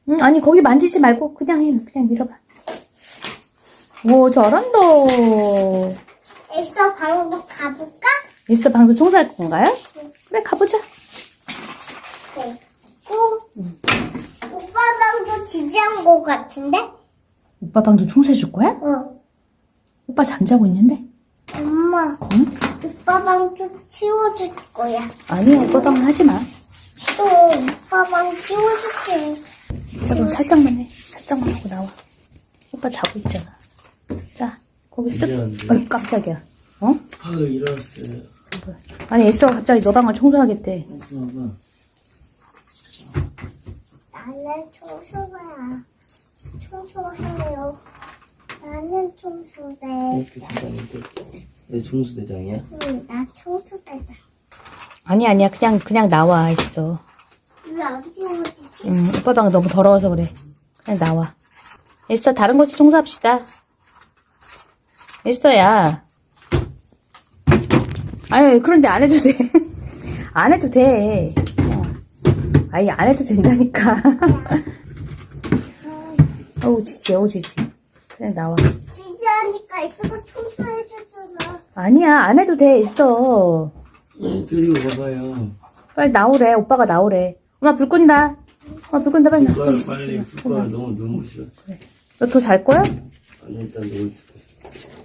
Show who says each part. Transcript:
Speaker 1: 응, 아니, 거기 만지지 말고, 그냥 해. 그냥 밀어봐. 오, 잘한다.
Speaker 2: 에스더 방으로 가볼까?
Speaker 1: 에스더 방송 청소할 건가요? 그래, 가보자.
Speaker 2: 네. 오빠 방도 지지한 것 같은데?
Speaker 1: 오빠 방도 청소해줄 거야?
Speaker 2: 어.
Speaker 1: 오빠 잠자고 있는데?
Speaker 2: 엄마,
Speaker 1: 응?
Speaker 2: 오빠 방도 치워줄 거야.
Speaker 1: 아니야, 오빠 방은 하지 마.
Speaker 2: 또 오빠 방 치워줄게.
Speaker 1: 자, 그럼 살짝만 해. 살짝만 하고 나와. 오빠 자고 있잖아. 자, 거기 쓱.
Speaker 3: 일어났는데.
Speaker 1: 어이, 깜짝이야. 어?
Speaker 3: 일어났어요.
Speaker 1: 아니, 에스더가 갑자기 너 방을 청소하겠대.
Speaker 3: 봐봐.
Speaker 2: 나는 청소야. 청소해요. 나는 청소대.
Speaker 3: 이렇게 대장인데. 내 종수대장이야?
Speaker 2: 응, 나 청소대다.
Speaker 1: 아니야. 그냥 나와, 에스더.
Speaker 2: 왜 안 치워지지?
Speaker 1: 오빠 방 너무 더러워서 그래. 그냥 나와. 에스더, 다른 곳을 청소합시다. 에스더야. 아유, 그런데 안 해도 돼. 안 해도 돼. 아니, 안 해도 된다니까. 어우, 지지. 그냥 나와.
Speaker 2: 지지하니까 에스더 청소해주잖아.
Speaker 1: 아니야, 안 해도 돼, 에스더.
Speaker 3: 들고 가봐요.
Speaker 1: 빨리 나오래, 오빠가 나오래. 엄마 불 끈다. 엄마 불 끈다, 빨리 나.
Speaker 3: 숟가락 빨리 숟가락 너무 눈부셔.
Speaker 1: 너 더 잘 거야?
Speaker 3: 아니 일단 누워 있을 거야.